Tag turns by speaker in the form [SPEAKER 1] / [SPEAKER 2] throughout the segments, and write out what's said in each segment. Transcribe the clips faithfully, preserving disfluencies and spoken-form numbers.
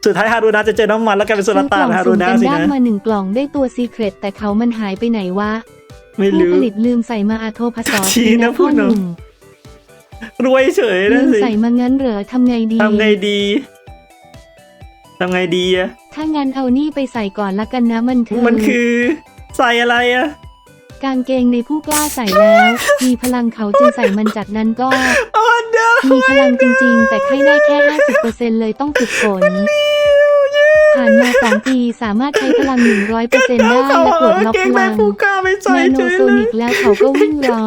[SPEAKER 1] สุดท้ายฮารุนะจะเจอน้ำมันแล้วกลายเป็นโซลาตานฮารุนะสินะ
[SPEAKER 2] มาหนึ่งกล่องได้ตัวซีเครตแต่เขามันหายไปไหนวะ
[SPEAKER 1] ไม่รู้
[SPEAKER 2] ผู้ผลิตลืมใส่มาอาโทพสอ
[SPEAKER 1] ทีนะพูดหนุ่มรวยเฉย
[SPEAKER 2] ลื
[SPEAKER 1] นะ
[SPEAKER 2] ม
[SPEAKER 1] สิ
[SPEAKER 2] ใส่มางั้นเหรอทำไงดี
[SPEAKER 1] ทำไงดีทำไงดีอะ
[SPEAKER 2] ถ้างั้นเอานี่ไปใส่ก่อนละกันนะมันคือ
[SPEAKER 1] มันคือใส่อะไรอะ
[SPEAKER 2] กางเกงในผู้กล้าใส่แล้ว มีพลังเขาจึงใส่มันจากนั้นก็
[SPEAKER 1] อ๋อเด้อ
[SPEAKER 2] มีพลังจริงๆ แต่ให้ได้แค่ ห้าสิบเปอร์เซ็นต์ เลยต้องฝึกฝนผ่านมาสองปีสามารถใช้พลัง หนึ่งร้อยเปอร์เซ็นต์ ได้และปลดล็อกพลัง
[SPEAKER 1] ผู้กล้าไม่ใส่
[SPEAKER 2] นาโน
[SPEAKER 1] เฉย
[SPEAKER 2] โซ
[SPEAKER 1] เล
[SPEAKER 2] นิ
[SPEAKER 1] ย
[SPEAKER 2] กแล้วเขาก็วิ่งล้อ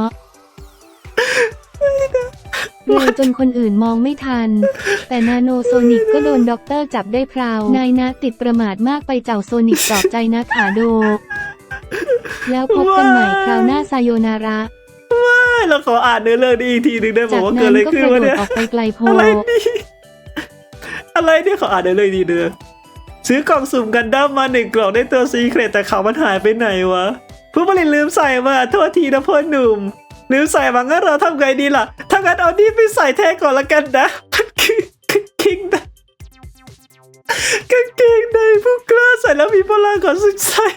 [SPEAKER 2] เร็วจนคนอื่นมองไม่ทัน แต่นาโนโซนิกก็โดนด็อกเตอร์จับได้พราวนายนะติดประมาทมากไปเจ้าโซนิกปลอบใจนะขาโด แล้วพบกันใหม่คราวหน้าไซโยนาระ
[SPEAKER 1] เราขออ่านเนื้อเรื่องนี้อีกทีหนึ่งได้บอ
[SPEAKER 2] จาก
[SPEAKER 1] กว่าเกิด
[SPEAKER 2] นั้
[SPEAKER 1] อะไร
[SPEAKER 2] นก็
[SPEAKER 1] ขึ้น
[SPEAKER 2] กระ
[SPEAKER 1] วะ
[SPEAKER 2] โดด
[SPEAKER 1] เนี่ย
[SPEAKER 2] ออกไปไกลโพ
[SPEAKER 1] อะไรนี่อะไรเนี่ยขออ่านเนื้อเรื่องดีเดือซื้อกล่องสุ่มกันดั้มมาหนึ่งกล่องได้ตัวซีเครตแต่เขามันหายไปไหนวะผู้ผลิตลืมใส่มาโทษทีนะพ่อหนุ่มลืมใส่มางั้นเราทำไงดีล่ะถ้างั้นเอานี่ไปใส่แทนก่อนละกันนะมันคือกางเกงในกางเกงในผู้กล้าใส่แล้วมีพลังก่อนสุดใส่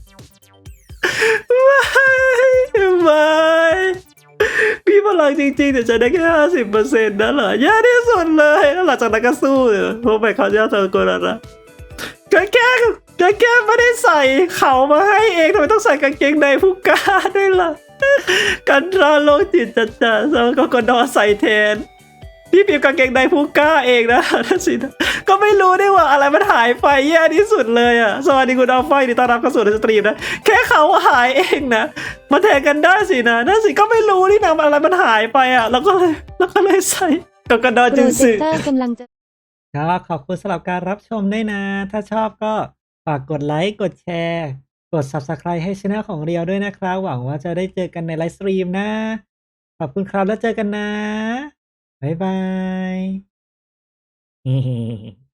[SPEAKER 1] ไม่ไม่มีพลังจริงๆแต่จะได้แค่ห้าสิบเปอร์เซ็นต์นั่นเหรอแย่ที่สุดเลยแล้วหลังจากนั้นก็สู้เลยเพราะไปเขาจะเจอโกนาระกางเกงกางเกงไม่ได้ใส่เขามาให้เองทำไมต้องใส่กางเกงในผู้กล้าด้วยล่ะกันตราโลกจิตจัดจ้าแล้วก็กดอใส่แทนพี่พิมพ์กางเกงในผู้กล้าเองนะนั่นสินะก็ไม่รู้ได้ว่าอะไรมันหายไปแย่ที่สุดเลยอ่ะสวัสดีคุณอัลฟายินดีต้อนรับเข้าสู่ในสตรีมนะแค่เขาหายเองนะมาแทนกันได้สินะนั่นสิก็ไม่รู้นี่นะอะไรมันหายไปอ่ะแล้วก็เลยแล้วก็เลยใส่กับกระดอ
[SPEAKER 2] โปร
[SPEAKER 1] จึง
[SPEAKER 2] เจ
[SPEAKER 1] สึ
[SPEAKER 2] คเตอร์กำลังจะ
[SPEAKER 1] ก็ขอบคุณสำหรับการรับชมด้วยนะถ้าชอบก็ฝากกดไลค์กดแชร์กด ซับสไครบ์ ให้ช่องของเรียวด้วยนะครับหวังว่าจะได้เจอกันในไลฟ์สตรีมนะขอบคุณครับแล้วเจอกันนะบ๊ายบาย